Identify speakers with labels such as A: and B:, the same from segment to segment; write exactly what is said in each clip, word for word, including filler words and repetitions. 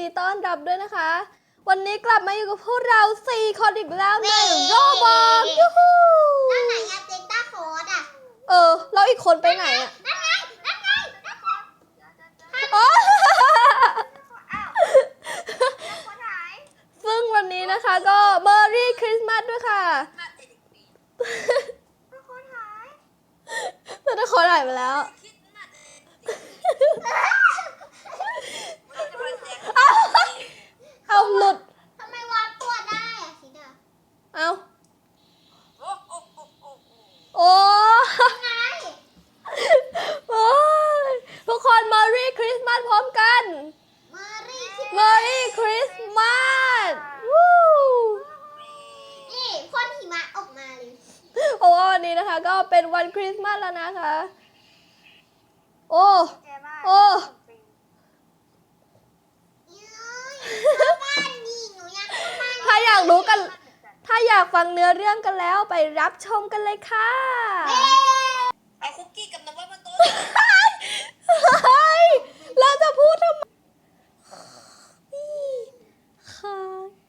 A: ต้อนรับด้วยนะคะ วันนี้กลับมาอยู่กับพวกเราสี่คนอีกแล้วในโรบอกยูฮู
B: แล้วไหนอะเจต้าโค้ดอะ
A: เออแล้วอีกคนไปไหนอะ
B: นั่นไงนั่นไงนั่นไง
A: อ๋อ
B: อ้าวคนหาย
A: ซึ่งวันนี้นะคะก็เมอร์รี่คริสต์มาสด้วยค่ะ
B: คนหาย
A: แต่ถ้าคนหายไปแล้วเอาเอาหลุด
B: ทำไมวาดตัวได้อะสิดา
A: เอาโอ้
B: ไง
A: โอ้ยทุกคนเมอร์รี่คริสต์มาสพร้อมกัน
B: เมอรี่
A: เมอร์รี่คริสต์มาสวู้
B: นี่พ่นหิมะออกมาเลย
A: เพราะว่าวันนี้นะคะก็เป็นวันคริสต์มาสแล้วนะคะโอ้โอ้ถ้าอยากรู้กันถ้าอยากฟังเนื้อเรื่องกันแล้วไปรับชมกันเลยค่ะ
C: เอาคุกกี้กับน้ำว่ามาโต๊ะ
A: เฮ้ยเราจะพูดทำไมค่ะ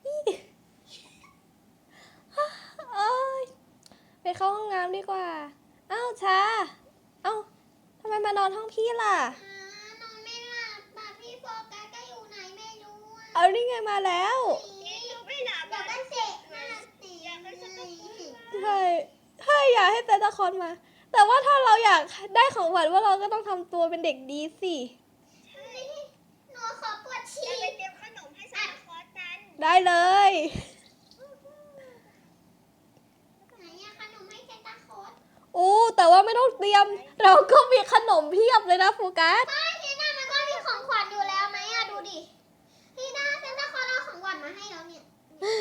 A: เอ้ยไปเข้าห้องน้ำดีกว่าอ้าวชาเอ้าทำไมมานอนห้องพี่ล่ะ
B: นอนไม่หลับแบบพี่โฟกัสก็อยู่ไหนไม่รู้อะ
A: เอานี่ไงมาแล้ว
B: ไม่หลับแบบกันเสกมาตี
A: ใช่ใช่อยากให้แต่ละคนมา แต่ว่าถ้าเราอยากได้ของขวัญว่าเราก็ต้องทำตัวเป็นเด็กดีสิ
B: หนูขอปวดฉี่ไปเตรียมขนมให้ซานตาคลอสกัน
A: ได้เลย
B: ไหนอะขนมให้ซานตาคลอส
A: อู้แต่ว่าไม่ต้องเตรียมเราก็มีขนมเพียบเลยนะโฟกัส
B: ไม่พี่น่ามันก็มีของขวัญอยู่แล้วไหมอะดูดิพี่น่าซานตาคลอสเอาของขวัญมาให้แล้วเนี่ย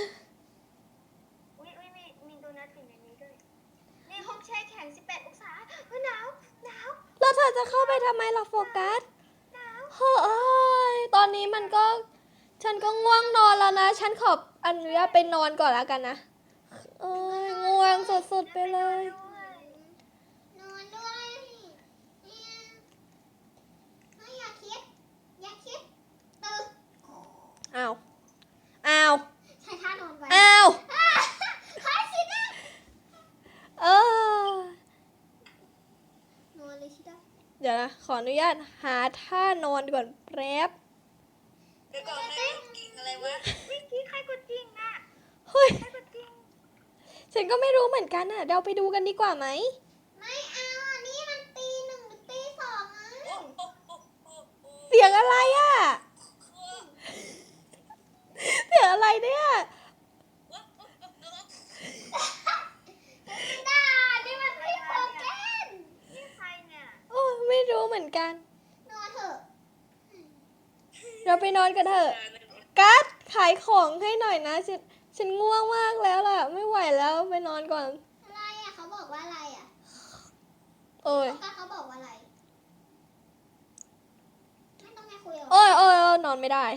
B: อุ้ยอุ้ยมีมีโดนัทอยู่ในนี้ด้วยนี่ห้องแช่แข็งสิบแปดองศาเฮ้ยหนาวหนาว
A: แล้วเธอจะเข้าไปทำไมล่ะโฟกัส
B: หนาว
A: เฮ้ยตอนนี้มันก็ฉันก็ง่วงนอนแล้วนะฉันขออนุญาตไปนอนก่อนแล้วกันนะเอ้ยง่วงสุดๆไปเลย
B: นอนด้วยไม่อยากคิดอยากคิดตื่น
A: อ้าวอ้าว
B: ใช้ท่านอนไว้
A: อ้าว
B: ใครคิดนะ
A: เอ
B: อนอนเลยชิดา
A: เดี๋ยวนะขออนุญาตหาท่านอนก่อนแป๊บ
C: เดี๋ยวก่อนใครกดกิ่งอะไรวะ
B: เมื่อกี้ใครกดกิ่งอะ
A: เฮ้ย
B: ใครกดกิ่ง
A: ฉันก็ไม่รู้เหมือนกันอ่ะเราไปดูกันดีกว่าไหม
B: ไม่เอานี่มันตีหนึ่งหรือตีสองอะ
A: เสียงอะไรอ่ะเสียงอะไรเนี่ย
B: ด่านี่มันพี่โฟกัสนี่ใครเนี่ย
A: โอ้ไม่รู้เหมือนกัน
B: นอนเถอะ
A: เราไปนอนกันเถอะกัสขายของให้หน่อยนะฉันฉันง่วงมากแล้วล่ะไม่ไหวแล้วไปนอนก่อน
B: อะไรอ่ะเขาบอกว่าอะไรอ่ะ
A: โอ้ย
B: เขาบอกว่าอะไรไม่ต้องมาคุยหรอ
A: โอ้ยโอ้ยนอนไม่ได้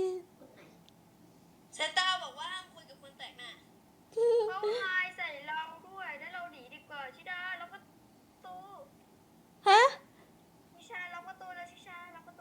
C: เซนต้าบอกว่าห้ามคุยกับคนแปลกหน้า
B: เขาทายใส่เราด้วยแล้วเราหนีดีกว่าชิดาล็อกประตู
A: ฮะ
B: ชิชาล็อกประตูแล้วชิชาล็อกประตู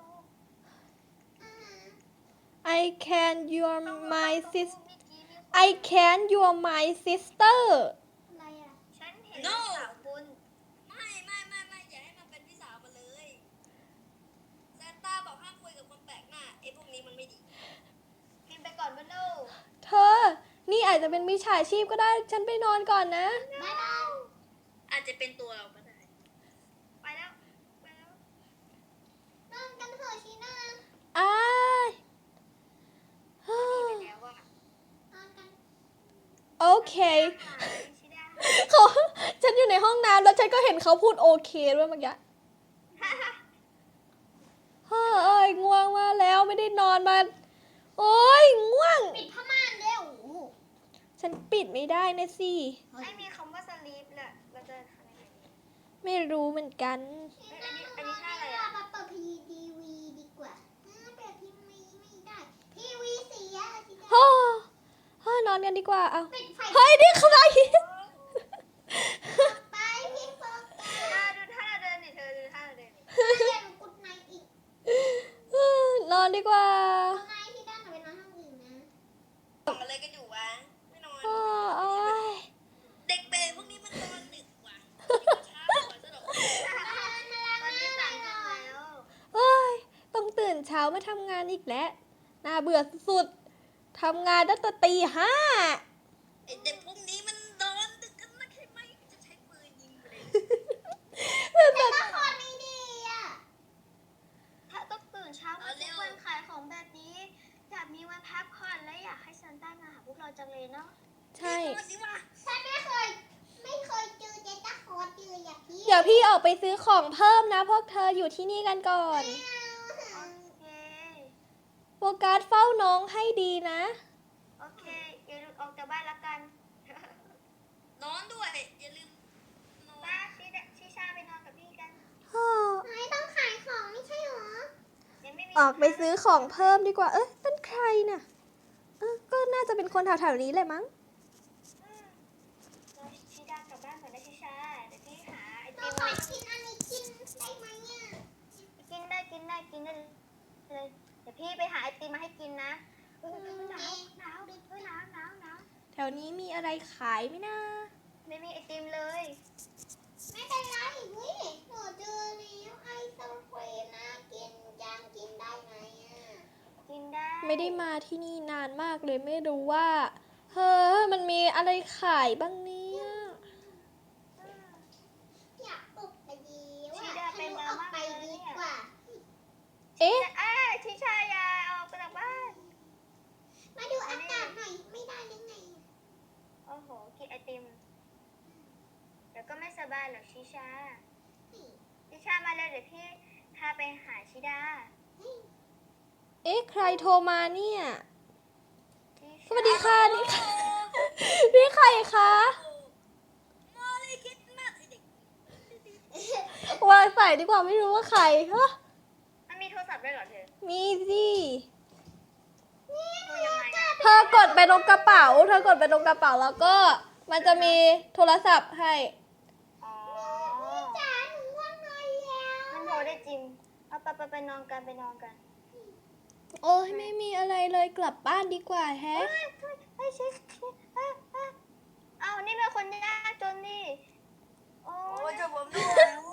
A: I can you are my sister I can you are my sister
B: อะไรอ่ะฉันเห็น
C: no
B: สาวคุณ
C: ไม่ไม่ไม่ไม่อย่าให้มันเป็นพี่สาวมาเลยเซนต้าบอกห้ามคุยกับคนแปลกหน้าไอ้พวกนี้มันไม่ดี
B: กินไปก่อนบ้านลูก
A: เธอนี่อาจจะเป็นมิจฉาชีพก็ได้ฉันไปนอนก่อนนะ
B: บ๊ายบาย
C: อาจจะเป็นตัวเราก็ได้
B: ไปแล้วไปแล้วนอนกันเถอะชีน่า
A: อ้ายโอเคเขาฉันอยู่ในห้องน้ำแล้วฉันก็เห็นเขาพูดโอเคด้วยเมื่อกี้เฮ้ยง่วงมาแล้วไม่ได้นอนมาโอ้ยง่วง
B: ปิดผ้าม่านเร็ว
A: ฉันปิดไม่ได้นะสิ
B: ไม่มีคำว่าสลีปแหละเราจะทำยังไง
A: ไม่รู้เหมือนกัน
B: อันนี้อันนี้ท่าอะไรอ่ะมาเปิดทีวีดีกว่าเปิดทีวีไม่ได้ทีวีเสีย
A: ฮ่าฮ่านอนกันดีกว่าเอาเฮ้ยนี่ใคร
B: ไปพี่โฟกัสดูท่าเราเดินดิเธอดูท่าเราเดินเดินกุดไนอีก
A: นอนดีกว่า
B: ไนที่ด้าน
A: มาทำงานอีกแล้วน่าเบื่อสุดๆทำงานตั้งแต่ตีห้า
C: ไอเด็กพวกนี้มันนอนดึกกันนะใช่ไหมจะใช้ปืนยิงไปเลย
B: แต่ละคนไม่ดีอ่ะ
D: ถ้าต้องตื่นเช้ามาทุกวันขายของแบบนี้ อยากมีวันพักผ่อนและอยากให้ซันต้ามาหาพวกเราจังเลยเนาะ
A: ใช่
C: นอนสิวะ
B: ฉันไม่เคย ไม่เคยเจอเจต้าคอร์เจออย่างพี่
A: เดี๋ยวพี่ออกไปซื้อของเพิ่มนะ พวกเธออยู่ที่นี่กันก่อน
D: โอเค
A: โฟกัสเฝ้าน้องให้ดีนะ
D: โอเคอย่าหลุดออกจากบ้านละกัน
C: นอนด้วยอย่าลืมนอน
D: ป้าชิดะชิชาไปนอนกับพี่กัน
B: ไม่ต้องขายของไม่ใช่หรอ
D: ยังไม่มี
A: ออกไปซื้อของเพิ่มดีกว่า เอ๊ะนั่นใครน่ะเออก็น่าจะเป็นคนแถวๆนี้เลยมั้ง
D: อืมเราชิดากลับบ้านก่อนนะชิชาเดี๋ยวพี่หาไอ
B: เรา
D: ติม
B: ขอกินอันนี้กินได้ไหมอ่ะ
D: กินได้กินได้กินได้เลยเดี๋ยวพี่ไปหาไอติมมาให้กินนะเออหนาวหนาวดิเออหนาวหนาวหนาว
A: แถวนี้มีอะไรขายไหมนะ
D: ไม่มีไอติมเลย
B: ไม่เป็นไรเฮ้ยหนูเจอแล้วไอศครีมนะกินจังกินได้ไหมอ่ะ
D: กินได้
A: ไม่ได้มาที่นี่นานมากเลยไม่รู้ว่า เฮ้อมันมีอะไรขายบ้างเนี่ย
D: อืม
B: อยากออกไปดีว่า
D: ชีดาเป็น
B: ฉัน
D: มา
B: ออก
D: มาก
B: ไป
D: เลย
B: ดี
D: เนี่ย
B: กว่า
A: เอ๊ะ
D: อ่าชิชายาออกไปจากบ้าน
B: มาดูอากาศหน่อยไม่ได้ยังไง
D: โอ้โหกินไอติมเดี๋ยวก็ไม่สบายหรอกชิชาชิชามาเลยเดี๋ยวพี่พาไปหาชิดา
A: เอ๊ะใครโทรมาเนี่ย
D: ชิชา
A: สวัสดีค่ะนี่ค่ะ นี่ใครคะ
C: มาเลยคิดมากไอเด็ก
A: วางใส่ดีกว่าไม่รู้ว่าใครฮะ
D: มันมีโทรศัพท์ด้วยเหรอเธอ
A: มีสิ
D: ดูยังไงอะ
A: เธอกดไปตรงกระเป๋า เธอกดไปตรงกระเป๋าแล้วก็มันจะมีโทรศัพท์ให้
D: อ๋อ
B: จ๋าหนูง่วงนอนแล้ว
D: มันโทรได้จริงเอาไปไปไปนอนกันไปนอนกัน
A: โอ้ยไม่มีอะไรเลยกลับบ้านดีกว่าแฮะ
D: เฮ้ยเฮ้ยเฮ้ยชิชิอ่ะอ่ะเอานี่เป็นคนยากจนนี่โอ้
C: โอ้
D: ย
C: ยจะผมด้วยโอ้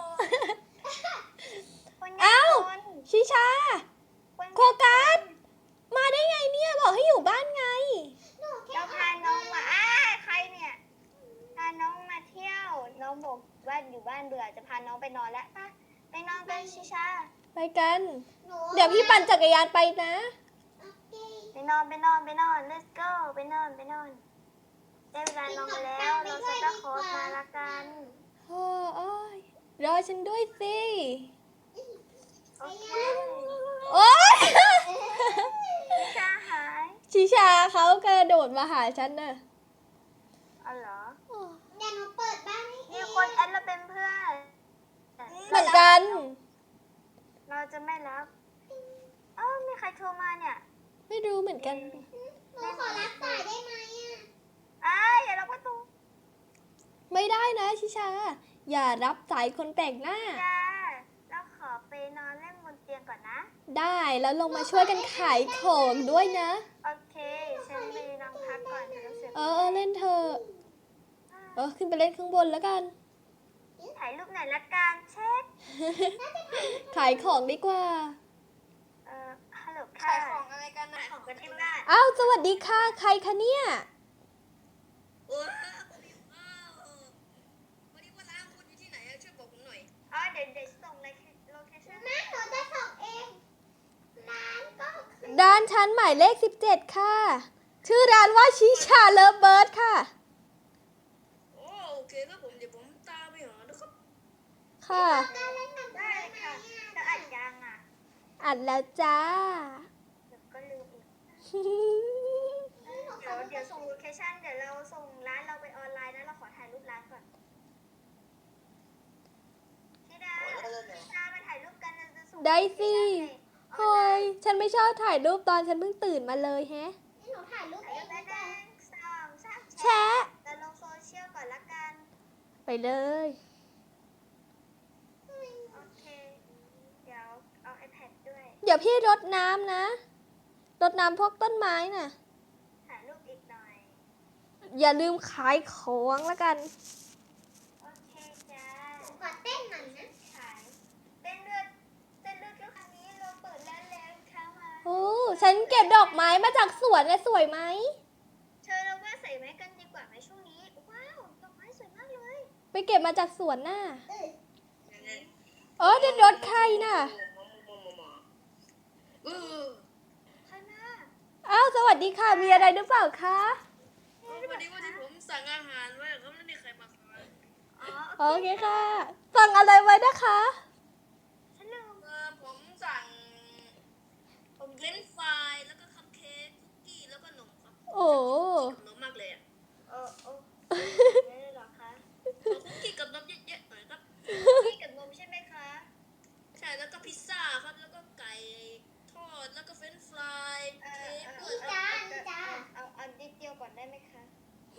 D: คนยา
A: เอ้า
D: กจน
A: ชิชา
D: คน
A: โคกัส มาได้ไงเนี่ยบอกให้อยู่บ้านไง
B: หนูแค่
D: เราพาน้องมาอ้าใครเนี่ย พาน้องมาเที่ยว น้องบอกว่าอยู่บ้านเบื่อจะพาน้องไปนอนแล้วปะไปนอนกันชิชา
A: ไปกัน
B: หนู
A: เดี๋ยวพี่ปั่นจักรยานไปนะ
B: โอเค
D: ไปนอนไปนอนไปนอน let's go ไปนอนไปนอนได้เวลานอนกันแล้วเราจะต้องขอมาละกัน
A: โอ้ยรอฉันด้วยสิ
D: โอเค
A: โอ๊ย
D: ชิชาหาย
A: ชิชาเขากระโดดมาหาฉันน่ะ
D: อ๋อเหรอ
B: เดี๋ยวหนูเปิดบ้านให้เอ
D: มี
B: ง
D: คนแอดเราเป็นเพื่อน
A: เหมือนกัน
D: เราจะไม่รับเอ้ามีใครโทรมาเนี่ย
A: ไม่รู้เหมือนกัน
B: หนูขอรับสายได้ไหมอ่ะ
D: อ้ายอย่าล็อกประตู
A: ไม่ได้นะชิชา อย่ารับสายคนแปลกหน้า
D: จ้าเราขอไปนอนเล่นบนเตียงก่อนนะ
A: ได้แล้วลงมาช่วยกันขายของด้วยนะ
D: โอเค ฉันไปนอนพักก่อนฉันรู้สึก
A: เออเออเล่นเถอะเออขึ้นไปเล่นข้างบนแล้วกัน
D: ถ่ายรูปหน่อยละกันเช็ค
A: ขายของดีกว่า
D: เอ่อ ฮัลโหล
C: ขา
D: ค่ะ
C: ยของอะไรกันนะ
D: ของกันที่บ้าน
A: อ้าวสวัสดีค่ะ ใครคะเนี่ย
C: โอ้ยผมอยู่อ้าววันนี้ว่าร้านคุณอยู่ที่ไหนอะช่วยบอกผมหน่อย
D: อ๋อ เดี๋ยวเดี๋ยวส่งโลเคชั่น
B: แม่หนูจะส่งเองร้านก็คือ
A: ร้านชั้นหมายเลขสิบเจ็ดค่ะ ชื่อร้านว่าชิชาเลิฟเบิร์ดค่ะ
C: โอ้โอเคครับผมเดี๋ยวผมตามไปหานะครับ
A: ค่ะ
B: การเล่นหนัง
D: ได้ค่ะจะอัดยังอ่ะ
A: อัดแล้วจ้า
D: เดี๋ยวก็ลืมอีก เดี๋ยวเดี๋ยวส่งโลเคชั่น เดี๋ยวเราส่งร้านเราไปออนไลน์นะ เราขอถ่ายรูปร้านก่อนพี่ดาพี่ดามาถ่ายรูปกันเราจะส่ง
A: ได้สิ
D: โลเคชั่นในออน
A: เฮ้
D: ไล
A: ย
D: น์
A: ฉันไม่ชอบถ่ายรูปตอนฉันเพิ่งตื่นมาเลยแฮะ
B: หนูถ่ายรูป
D: ถ่าย
B: เอ
D: รู
B: ง
D: ป
B: ดี
D: ได้
B: กว่า
D: หนึ่งสองสาม
A: แชะ
D: จะลงโซเชียลก่อนละกัน
A: ไปเลย
D: โอเค เดี๋ยวเอา iPad ด้วย
A: เดี๋ยวพี่รดน้ำนะ รดน้ำพวกต้นไม้น่ะ
D: ถ่ายรูปอีกหน่อย
A: อย่าลืมขายของละกัน
D: โอเคจ้า
B: ขอเต้นหน่อยนะ
D: ขายเต้นเลือดเต้นเลือดเกี่ยวกับนี้เราเปิดร้านแล้ว
A: ฉันเก็บดอกไม้มาจากสวนนะสวยไหม
D: เธอเราว่าใส่ไว้กันดีกว่าไหมช่วงนี้ ว้าวดอกไม้สวยมากเลย
A: ไปเก็บมาจากสวนน่ะ
B: เออ
A: เออเดินรถใครน่ะ
C: เออ
D: ใครมา
A: อ้าวสวัสดีค่ะ มีอะไรหรือเปล่าคะ
C: พอดีว่าที่ผมสั่งอาหารไว้เขาไม่ได้ใครมาขาย
D: อ๋อ
A: โอเคค่ะ สั่งอะไรไว้นะคะ
D: ฉันลืม
C: เออผมสั่งผมเฟรนช์ฟรายแล้วก็คัพเค้กคุกกี้แล้วก็นมครับ
A: โอ้
C: กับนมมากเลยอ่ะ
D: เออโอ้ไม่ได้หรอคะ
C: ขอคุกกี้กับนมเยอะๆหน่อยครับ
D: พี่กับนมใช่ไหมคะ
C: ใช่แล้วก็พิซซ่าครับแล้วก็ไก่ทอดแล้วก็เฟรนช์ฟราย
D: เอ
C: เค้
D: อก เอ
C: ด้ว
D: อย
C: ครับ
D: เอาเอานิดเดียวก่อนได้ไหมคะ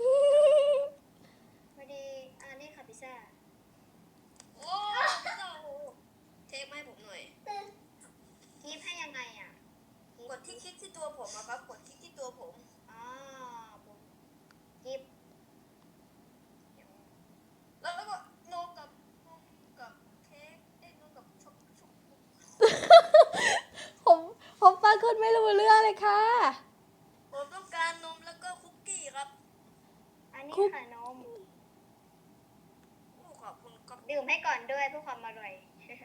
D: พอดีอ่านี่ค่ะพิซซ่า
C: โอ้พิซซ่าโอ้เทคมาให้ผมหน่อย
D: กีฟให้ยังไงอ่ะ
C: กดที่คลิกที่ตัวผมอะครับกดคลิกที่ตัวผม
D: อ๋อผมกีฟ
C: แล้วแล้วก็นมกับนมกับเค้กเอ้ยนมกับช็อกช็อก
A: ผมผมฟังคุณไม่รู้เรื่องเลยค่ะ
C: ผมต้องการนมแล้วก็คุกกี้ครับ
D: อันนี้
A: คุก
D: ค่ะนม
C: โอ้ขอบคุณครับ
D: ดื่มให้ก่อนด้วยเพื่อความอร่อย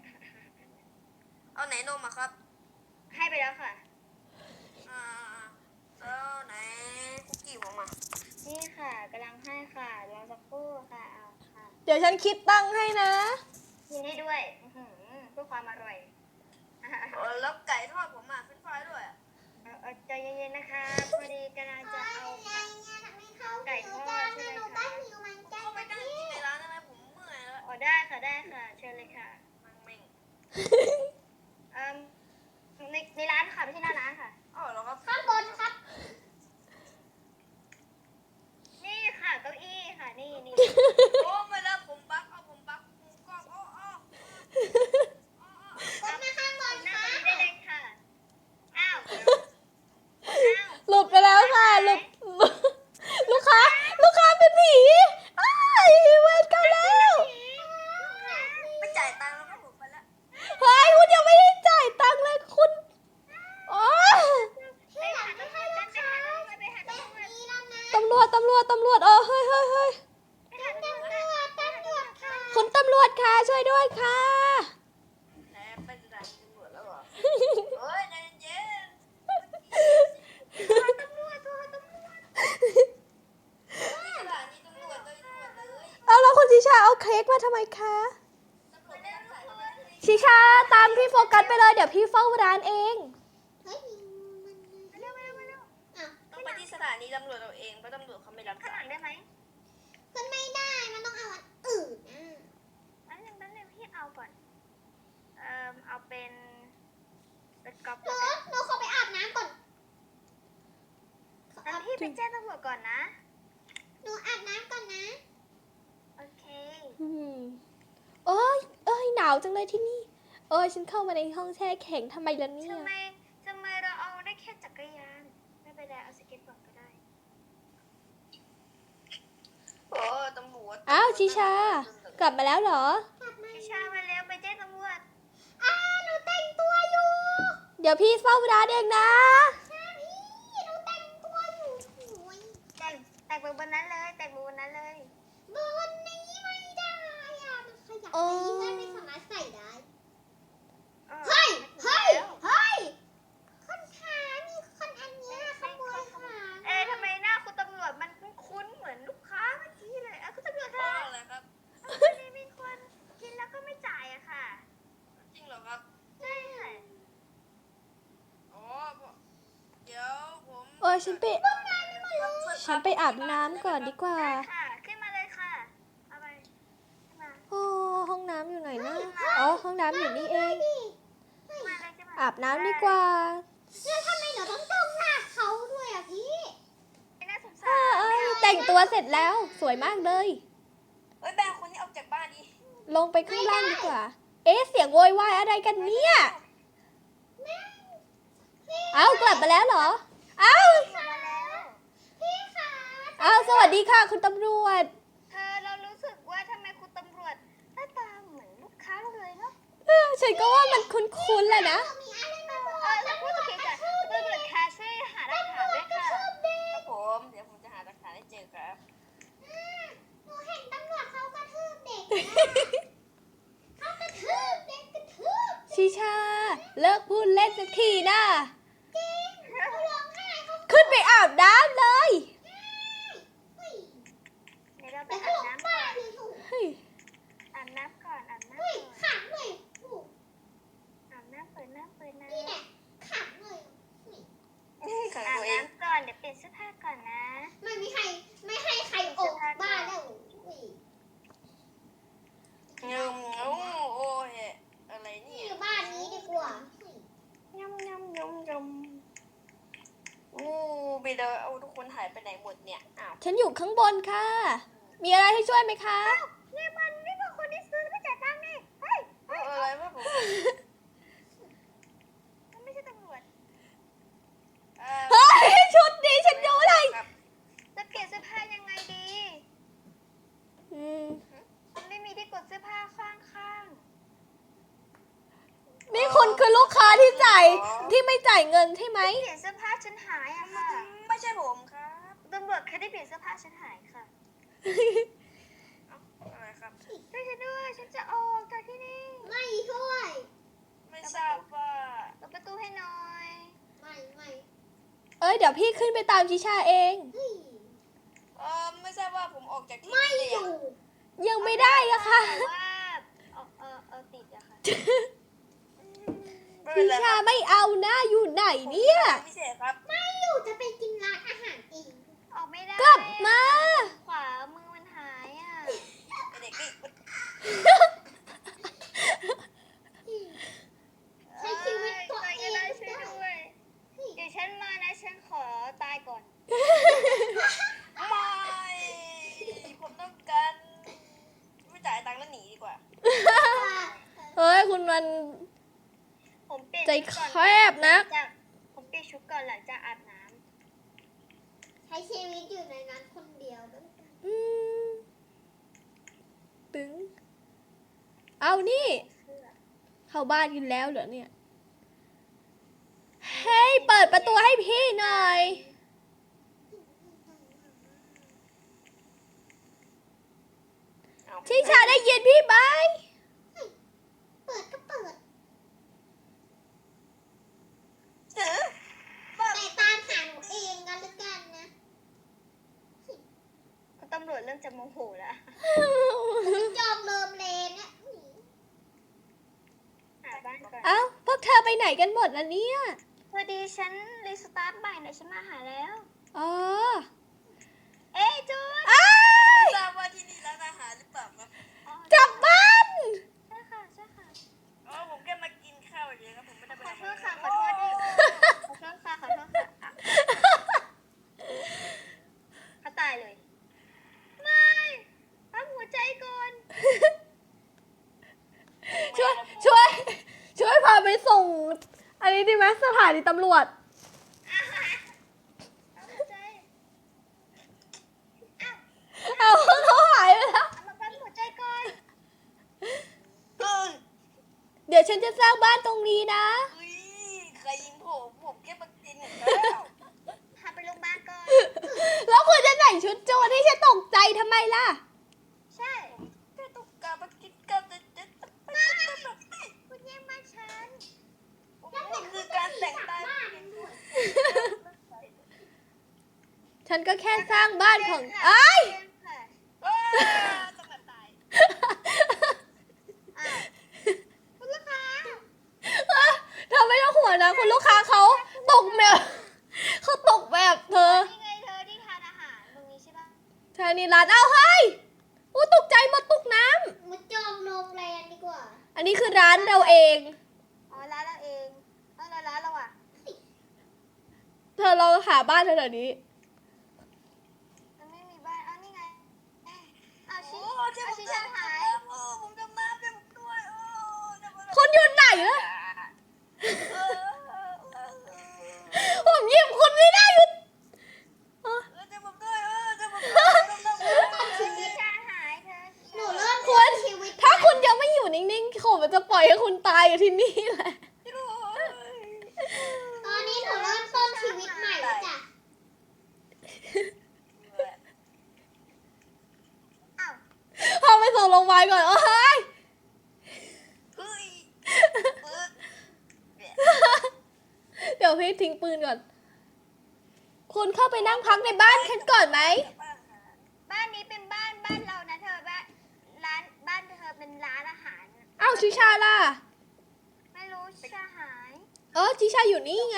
C: เอาไหนนมอะครับ
D: ให้ไปแล้วค่ะ
C: อ่าแล้วไหนคุกกี้ผมอะ
D: นี่ค่ะกำลังให้ค่ะรอสักครู่ค่ะเอาค่ะ
A: เดี๋ยวฉันคิดตังค์ให้นะ
D: กินให้ด้วยอื้อหือเพื่อความอร่อย
C: เออแล้วไก่ทอดผมอะเฟรนช์ฟรายด้วยอะ
D: เออเออใจเย็นๆนะคะพอดีกำลังจะเอา
B: ไงเนี่ยทำให้เขาหิวจังนะหนูก็หิวเหมือนกัน
C: เข้าไป
B: นะ
C: นั่ง
B: พี่
C: กินในร้านได้ไหมผมเมื่อยแล้ว
D: อ๋อได้ค่ะได้ค่ะ เชิญเลยค่ะ
C: มังเม่ง
D: เอ่มในในร้านค่ะไม่ใช่หน้าร้านค่ะ
C: อ๋อเหรอครับ
B: ข้างบนครับ
D: นี่ค่ะเก้าอี้ค่ะนี่นี่
C: โอ้ไม่แล้วผมบักเอาผมบักมุมกล้องโอ้โอ้
B: กดมาข้างบน
D: หน้า
B: ค่ะ
D: ตรงนี้ได้เลยค่ะ อ้าวอ้าว
A: หลุดไปแล้วค่ะหลุด ลูกค้า ลูกค้าเป็นผีอ้ายเวรกรรมแล้ว
C: ไม่จ่ายตังค์แล้วก็ผมไปแล้ว
A: เฮ้ยคุณยังไม่ได้จ่ายตังค์เลยคุณโอ้ย
B: ที่หลังไม่ให้ลูกค้า
D: ไปหา
B: แบ
D: ตำ
B: บ
D: รวจ
B: นี้แล้วนะ
A: ตำรวจตำรวจตำรวจเออเฮ้ยเฮ้ยเฮ้ย
D: ไปหาตำรวจ
B: ตำรวจตำรวจค่ะ
A: คุณตำรวจค่ะช่วยด้วยค่ะ
C: ไหนไปสถานีตำรวจแล้วเหรอเฮ้ยใจเย็น
D: ตำรวจโทรตำรวจ
C: สถานีตำรวจเลยตำรวจเลย
A: เอาแล้วคุณชิชาเอาเค้กมาทำไมคะ
C: ตำรวจไม่ต้องถ่ายทำไม
A: ชิชาตามพี่โฟกัสไปเลยเดี๋ยวพี่เฝ้าร้านเอง
B: เฮ้ยมัน
D: มาเร็วมาเร็วมาเร็ว
B: อ่ะ
C: ต้องไปที่สถานีตำรวจเราเองเพราะตำรวจเขาไม่รับ
D: ข้างห
C: สา
D: ลั
C: ย
D: งได้ไหม
B: มันไม่ได้ มันต้องเอาอันอื่นอ่ะ
D: อันหนึ่งอันหนึ่งพี่เอาก่อน เอ่อเอาเป็นเป็นกอล์ฟ
B: หนู
D: แล้วกัน
B: หนูขอไปอาบน้ำก่อนขอ
D: งั้
B: อาน
D: พี่ไปแจ้งตำรวจก่อนนะ
B: หนูอาบน้ำก่อนนะ
D: โอเค
A: อืมเอ้ยเอ้ยหนาวจังเลยที่นี่ เอ้ยฉันเข้ามาในห้องแช่แข็งทำไมล่ะเนี่ย
D: ทำไมทำไมเราเอาได้แค่จักรยาน ไม่เป็นไรเอาสเก็ตบอร์ดก็ได้
C: โอ้ตำรวจ
A: อ้าวชิชา กลับมาแล้วเหรอ
B: กลับมา
D: พี่ชามาเร็วไปแจ้งตำรวจ
B: อ่าหนูแต่งตัวอยู่
A: เดี๋ยวพี่เฝ้าร้านเองนะ
B: ค่ะพี่หนูแต่งตัวอยู่โอ้ย
D: แต่งแต่งไปบนนั้นเลย แต่งไปบนนั้นเลย
B: บนนี้ไม่ได้อ่ะมันขยับ
A: โอ้
B: ไปเพื่อนไม่สามารถใส่ได้
D: เออ
B: เฮ้ย เฮ้ย
D: แล้ว
B: เฮ้ย คนขามีคนอันเนี้ยขโมยขา
D: เอ๊ะทำไมหน้าคุณตำรวจมันคุ้นๆเหมือนลูกค้าเมื่อกี้เลยอ่ะคุณตำรวจ
C: เพราะ
D: คะ
C: อะไรครับ
D: วันนี้มีคนกินแล้วก็ไม่จ่ายอะค่ะ
C: จริงเหรอครับ
D: ใช่ค่ะ
C: อ๋อเดี๋ยวผม
A: เออฉันไป ฉันไปอาบน้ำก่อนดีกว่า
D: ได้ค่ะ ขึ้นมาเลยค่ะ เอาไปขึ้นมา
A: โอ้ห้องน้ำอยู่ไหนนะ อ๋อ ห้องน้ำอยู่นี่เอง
D: ขึ้นมาเลยขึ้นมา
A: อาบน้ำดีกว่า
B: แล้วทำไมหนูต้องจ้องหน้าเขาด้วยอ่ะพี่
D: ไม่น่าสงสา
A: เอ
D: ร
A: อเอ้ยแต่งตัวเสร็จแล้ว สวยมากเลย
C: เอ้ยแบงคนนี้ออกจากบ้านดิ
A: ลงไปข้างล่างดีกว่า เอ๊ะ เสียงโวยวายอะไรกันเนี่ย เอ้ากลับมาแล้วเหรอ เอ้า
D: มาแล้ว
B: พี่คะ
A: เอ้าสวัสดีค่ะ คุณตำรวจ
D: เธอเรารู้สึกว่าทำไมคุณตำรวจหน้าตาเหมือนลูกค้าเราเลยเนาะ
A: เออฉันก็ว่ามันคุ้นๆแหละนะ
B: มีอะไรมาบอก
D: เออแล้วพูดโอเคจ้ะคุณตำรวจค
A: เลิกพูดเล่นสักทีนะ
B: เขาร้องไห้เขา
A: ขึ้นไปอาบน้ำเลย
B: เฮ้ย
D: เดี๋ยวเราไป
B: แต่เขา
D: อาบ
B: ร้อง
D: น้ำก่
B: บ้า
D: อน
B: เลยถูก
A: เฮ้ย
D: อาบน้ำก่อนอาบน้ำ
B: เฮ้ย
D: ก่อน
B: ขังเลยถูก
D: อาบน้ำเปิดน้ำเปิดน้ำ
B: นี่แหละขังเลยนี่
C: ขัง
D: อาบ
C: ตัวเอง
D: น้ำก่อนเดี๋ยวเปลี่ยนเสื้อผ้าก่อนนะ
B: ไม่มีใครไม่ให้ใครออกบ้านแล้วอุ้ย
C: เงมโอ้โอ้ยอะไร
B: นี่
C: เนี่ย
B: อยู่บ้านนี้ดีกว่าอุ้ย
C: ยำยำยำยำโอ้ไปเดอเอาทุกคนหายไปไหนหมดเนี่ยอ้าว
A: ฉันอยู่ข้างบนค่ะ มีอะไรให้ช่วยไหมคะ
D: นี่มันนี่มันคนที่ซื้อไม่จ่ายตังค์นี่เฮ้ย
C: เอออะไรวะผม
D: มันไม่ใช่ตำรวจ
C: เอ่อ
A: เฮ้ย ชุดนี้ฉันดูเลย
C: ครับ
D: จะเปลี่ยนเสื้อผ้ายังไงดี
A: อืม
D: มันไม่มีที่กดเสื้อผ้าข้างข้าง
A: นี่คุณคือลูกค้าที่จ่ายที่ไม่จ่ายเงินใช่ไหม
D: ๆเปลี่ยนเสื้อผ้าฉันหายอะค่ะ
C: ไม่ใช่ผมครับ
D: ตำรวจแค่ได้เปลี่ยนเสื้อผ้าฉันหายค่ะ
C: เอ้าอะไรครับ
D: ช่วยฉันด้วยฉันจะออกจากที่นี่
B: ไม่ช่วย
C: ไม่ทราบว่า
D: เปิดประตูให้หน่อย
B: ไม่ไม่
A: เอ้ย เดี๋ยวพี่ขึ้นไปตามชิชาเอง
B: เฮ้ย
C: เออไม่ทราบว่าผมออกจากที่
B: ไม่
C: นี่
B: อ
C: ได้ยัง
B: ยู่
A: ยังไม่ได้อะค่ะ
D: แต่ว่าเออเออเออติดอะค่ะ
C: ไม่เป็
A: ชิ
C: นไร
A: ชา
C: ครับ
A: ไม่เอานะอยู่ไหนเนี่ย
C: พิเศษครับ
B: ไม่อยู่จะไปกินร้านอาหารเอง
D: ออกไม่ได้
A: กลับมา
D: ขวามือมันหายอะ
C: เด็กนี่
B: ใช้ชีวิตตัว
D: ใคร
B: เอ
D: ก็
B: ง
D: ได้
B: ได้
D: ช่วยด้วยเดี๋ยวฉันมานะฉันขอตายก่อน
C: ไม่ผมต้องการไม่จ่ายตังค์แล้วหนีดีกว่า
A: เฮ้ย คุณมัน
D: ผมเปลี่ยน
A: ใจ
D: ชุด
A: แค
D: ก่อน
A: บนะ
D: จากผมเปลี่ยนชุดก่อนหลังจากอาบน้
B: ใช้ชีวิตอยู่ในนั้นคนเดียวแล้วกัน
A: อืมตึง เอานี่
D: ำเสื้อ
A: เข้าบ้านกันแล้วเหรอเนี่ย เฮ้ย เปิดประตูให้พี่หน่อย
C: เอา
A: ชิชาได้ยินพี่ไหม
B: เปิดก็เปิด
C: เออบ้า
B: แต่ตามหาหนูเองกันแล้วกันนะ
D: ตำรวจเริ่มจะโมโหแล้ว
B: จองเริมเลนเนี่ยอุ้ย
D: หาบ้านก่อน
A: เอ้า พวกเธอไปไหนกันหมดล่ะเนี่ย
D: พอดีฉันรีสตาร์ทใหม่นะฉันมาหาแล้ว
A: อ๋อ
D: เอ้ยจูน
A: อ้าย
C: ทราบว่าที่นี่ร้านอาหารหรือเปล่าครับ
D: อ๋อก
A: ลับบ้าน
D: ใช่ค่ะใช่ค่ะ
C: อ๋อผมแค่มากินข้าวเฉยๆครับผมไม่ได้ไป
D: ขอ
C: ทำ
D: โท
C: อะไร
D: ษค่ะขอโทษดิขอโทษค่ะขอโทษค่ะเขาตายเลย ไม่ปั๊มหัวใจก่อน
A: ช่วย ช่วย ช่วยพาไปส่ง อันนี้ดีไหมสถานีตำรวจ
D: ปั๊มหัวใจอ้าว
A: เอาเขาหายไปแล้ว
D: เอามาปั๊มหัวใจก่อน
C: เออ
A: เดี๋ยวฉันจะสร้างบ้านตรงนี้นะ
C: เฮ้ยใครยิงผมผมแค่มากินข้าว
D: พาไปโรงพยาบาลก่อน
A: แล้วคุณจะใส่ชุดโจรให้ฉันตกใจทำไมล่ะ
D: ใช่
C: แค่ต้องการมากินข้าวแต่จะไม่
D: คุณแย่งบ้านฉัน
C: นี่คือการแต่งตั้ง
B: บ้านด้วย
A: ฉันก็แค่สร้างบ้านของไอ้าย
D: เชิญค่ะ
C: เอ้ยต้องมาตาย
D: อ้าวคุณลูกค้า
A: เธอไม่ต้องห่วงนะ คุณลูกค้าเขาตกแบบเขาตกแบบเธอ
D: นี่ไงเธอที่ทานอาหารตรงนี้ใช่ปะ
A: เธอนี่ร้านเอาเฮ้ยอู้ตกใจหมดตุกน้
B: มาจองโรงแรมดีกว่า
A: ำอันนี้คือร้านเราเอง
D: อ๋อร้านเราเองเอาแล้วร้านเราอ่ะ
A: เธอลองหาบ้านเธอเดี๋ยวนี้
D: มันไม่มีบ้านเอานี่ไงเอาชิ
C: โอ้เจ้า
D: เอา
C: ผม
D: ชิ
C: จะ
D: ชาหาย
C: โอ้ผมจะน้ำเจ้าผมด้วยโอ้จะมา
A: คนอยู่ไหนวะ
C: เออเออ
A: ผมหยิบคุณไม่ได้อยู่เออ
C: เออจะผมด้วยเออจะผมด้วยต้องต้อง
D: ชิชาหายเธอ
B: หนูเริ่ม
A: คุณ
B: ชีวิต
A: ถ้าคุณยังไม่อยู่นิ่งๆผมจะปล่อยให้คุณตายอยู่ที่นี่แหละ
B: ตอนนี้หนูเริ่มต้นชีวิตใหม่แล้วจ้ะ
D: อ้าว
A: เอาไปส่งโรงพยาบาลก่อนเอ้ย
C: เฮ้ยเออ
A: บทิ้งปืนก่อน คุณเข้าไปนั่งพักในบ้านฉันก่อนไหม
D: บ้านนี้เป็นบ้านบ้านเรานะเธอบ้านร้านบ้านเธอเป็นร้านอาหาร
A: อ้าวชิชาล่ะ
D: ไม่รู้ชิชาหาย
A: เออชิชาอยู่นี่ไง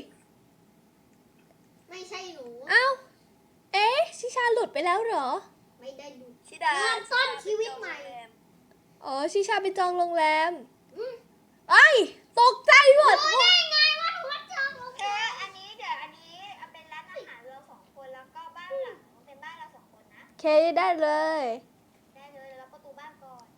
B: ไม่ใช่หนู
A: อ้าวเอ๊ะชิชาหลุดไปแล้วเหรอ
B: ไม่ได้ดู
C: ชิดา
B: เริ่มต้นชีวิตใหม่
A: อ๋อชิชาไปจองโรงแรม
B: อืม
A: ไอ้ยตกใจหมด
B: รู้ได้ไงว่าหนูว่าจองโรง
D: เธ
B: แร
D: อ
B: ม
D: อันนี้เดี๋ยวอันนี้เอาเป็นร้านอาหารเราสองคนแล้วก็บ้านหลังเป็นบ้านเราสองคนนะ
A: เคได้เลย
D: ได้เลยแล้วประตูบ้านก่อน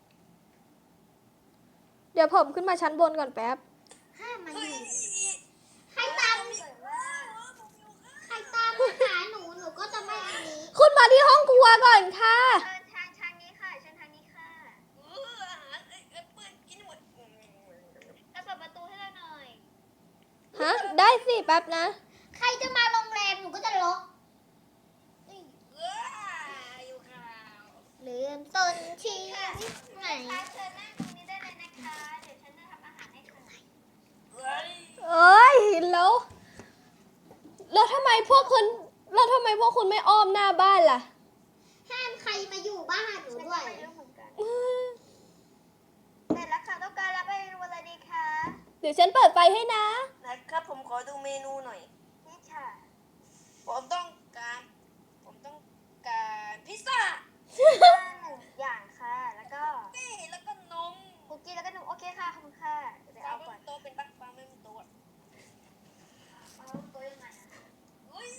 A: เดี๋ยวผมขึ้นมาชั้นบนก่อนแป๊บ
B: ห้ามมาอ
C: เฮ้ย
B: ยู่ใครตาม
D: สวยมาก
B: ใครตามมาหาหนูหนูก็จะไม่อันนี้
A: คุณมาที่ห้องครัวก่อนค่ะ
D: เชิญทางทางนี้ค่ะเชิญทางนี้ค่ะ
C: เอออาหารเอ้ยเอ้ยเปื้อนกินหมด
D: แล้วเปิดประตูให้เราหน่อย
A: ฮะ ได้สิแป๊บนะ
B: ใครจะมาโรงแรมหนูก็จะล็อก
C: เอออยู่ข่าว
B: เริ่มต้นชีวิตใหม่
D: ค่ะเชิญนั่งตรงนี้ได้เลยนะคะ เดี๋ยวฉันจะทำอาหารให้ค่ะ
C: เฮ้ย
A: เอ้ยแล้ว แล้วทำไมพวกคุณแล้วทำไมพวกคุณไม่อ้อมหน้าบ้านล่ะ
B: ห้ามใครมาอยู่บ้านหนู
D: ฉัน
B: ด้
D: ก็
B: วย
D: ไม่รู้เหมือนกันเสร็จแล้วค่ะต้องการรับเมนูอะไรดีคะ
A: เดี๋ยวฉันเปิดไฟให้นะ
C: นะครับผมขอดูเมนูหน่อย
D: นี่ค่ะ
C: ผมต้องการ ผมต้องการพิซซ่า
D: บ้านหนึ่งอย่างค่ะ แล้วก็
C: นี่แล้วก็นม
D: คุกกี้แล้วก็นมโอเคค่ะขอบคุณค่ะเดี๋ยวไป
C: ปลา
D: เอา
C: ไม่
D: ก่อน
C: มีโต๊ะเป็นปักปลาไม่มีโต๊ะ
D: เอาตัวยังไงอะ
C: เฮ้ย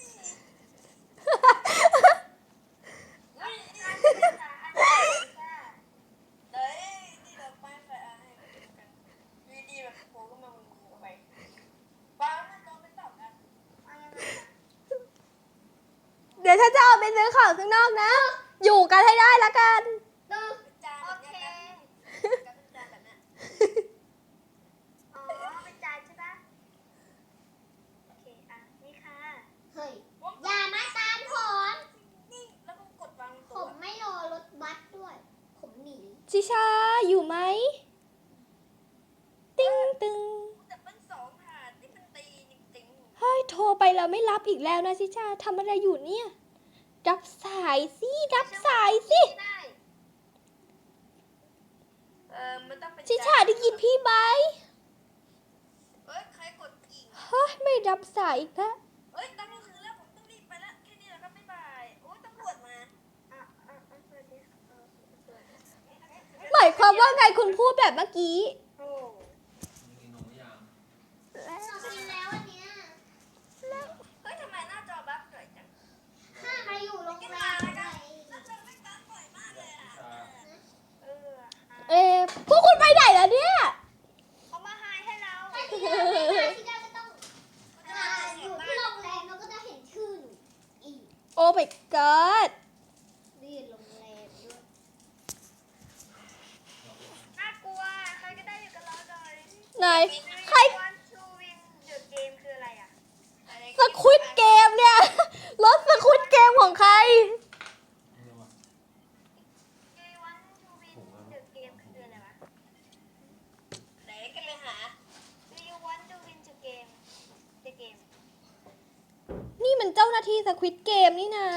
D: อันนี้ค่ะอันนี้ค่ะ
C: เฮ้ยนี่เราป้ายไฟอาให้กันวีดีแบบโผล่ขึ้นมาบนมือเข้าไปปลาไม่โต๊ะเป็นต่อกัน
D: เอายังไงอะ
A: เดี๋ยวฉันจะออกไปซื้อของข้างนอกนะ อยู่กันให้ได้ละกัน
B: ดู
C: เป็นจาน
D: โอ
C: แบบ
D: เค
C: เนี้ยครับเป็นจานแบบเนี้ย
D: อ๋อเป็นจานใช่ปะโอเคอ่ะนี่ค่ะ
B: เฮ้ยอย่ามาตามผม
C: นี่แล้วก็กดวางบน
B: ผ
C: โต๊ะ
B: มไม่รอรถบัสด้วย ผมหนี
A: ชิชาอยู่ไหม ติ้งตึง
C: แต่เป็นสองถาดนี่มันตีจริง
A: เฮ้ยโทรไปแล้วไม่รับอีกแล้วนะชิชาทำอะไรอยู่เนี่ย รับสายสิรับสายสิ
D: ได้
C: ๆเออมันต้องเป็น
A: ชิชาได้ยินพี่ไหม
C: เอ้ยใครกดกิ่ง
A: เฮ้ยไม่รับสายอีกแล้ว
C: เอ้ยตอนนี้คือแล้วผมต้องรีบไปแล้วแค่นี้แหละครับบ๊ายบายโอ้ยตำรวจมา
D: อ่ะอ่ะอ่ะสวัสดีค่ะเออสวัสดีค่ะ
A: หมายความว่าไงคุณพูดแบบเมื่อกี้
D: โอ้
E: มีนมหรือยัง
B: เรากินแล้วอันเนี้ย
C: เฮ้ยทำไมหน้าจอบั๊กเกิดจัง
B: ห้ามมาอยู่โรงแรมด้วย
C: หน้าจอไม่บั๊กบ่อยมากเลยอ่ะ
D: เอออ่ะ
A: เอ๊ะพวกคุณไปไหนแล้วเนี่ย
D: เขามาหายให้เรา
B: ถ้าที่เราไม่มาที่เราก็ต้องอ่าอยู่ที่โรงแรมเราก็จะเห็นชื่อหนูอีก
A: โอ้ my god
B: เรียนโรงแรมด้วย
D: น่ากลัวใครก็ได้อยู่กับเราหน่อย
A: ไหน ใคร
D: วันชูวินเดอะเกมคืออะไรอ่ะ
A: สควิดเกมเนี่ย รถสควิดเกมของใคร
E: ไม่รู้ว่า
D: เกมวันชูวินเดอะเกมคืออะไรวะ
C: ไหนกันไปหา
D: Do you want to win the game the game
A: นี่มันเจ้าหน้าที่สควิดเกมนี่นะ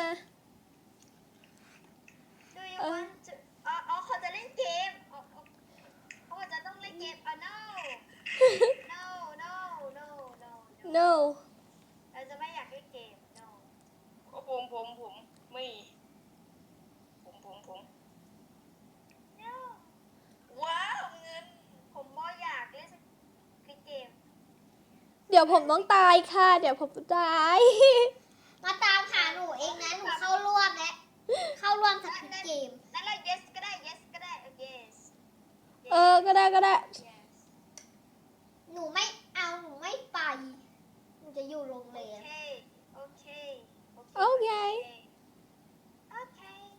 D: Do you
A: เออ
D: want to อ๋ออ๋อเขาจะเล่นเกมอ๋ออ๋อเขาจะต้องเล่นเกมอ๋อ no no no no no
A: no
D: เราจะไม่อยากเล่นเกม no
C: โอ้ผมผมผมไม่ผมผมผม
D: no
C: ว้าวเงิน
D: ผมบ่อยากเล่นสควิดเกม
A: เดี๋ยวผมต้องตายค่ะ เดี๋ยวผมตาย
B: มาตามหาหนูเองนะ หนูเข้าร่วมแล้ว เข้าร่วมสควิดเกม
D: นั่นแหละ yes ก็ได้ yes ก็ได้ yes
A: เออ ก็ได้ก็ได้
D: yes
B: หนูไม่เอาหนูไม่ไป หนูจะอยู่โรงแร
D: โอ
B: ม
D: เค โอเค
A: โอเค
D: โอเค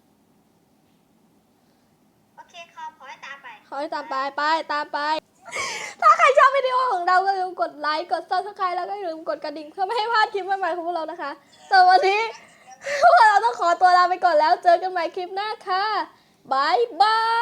D: โอเคขอขอให้ตามไป
A: ขอให้ตามไปไปตามไป ถ้าใครชอบวิดีโอของเราก็อย่าลืมกดไลค์ กด ซับสไครบ์ แล้วก็อย่าลืมกดกระดิ่งเพื่อไม่ให้พลาดคลิปใหม่ๆของพวกเรานะคะสำหรับวันนี้ พวกเราต้องขอตัวลาไปก่อนแล้ว เจอกันใหม่คลิปหน้าค่ะบายบาย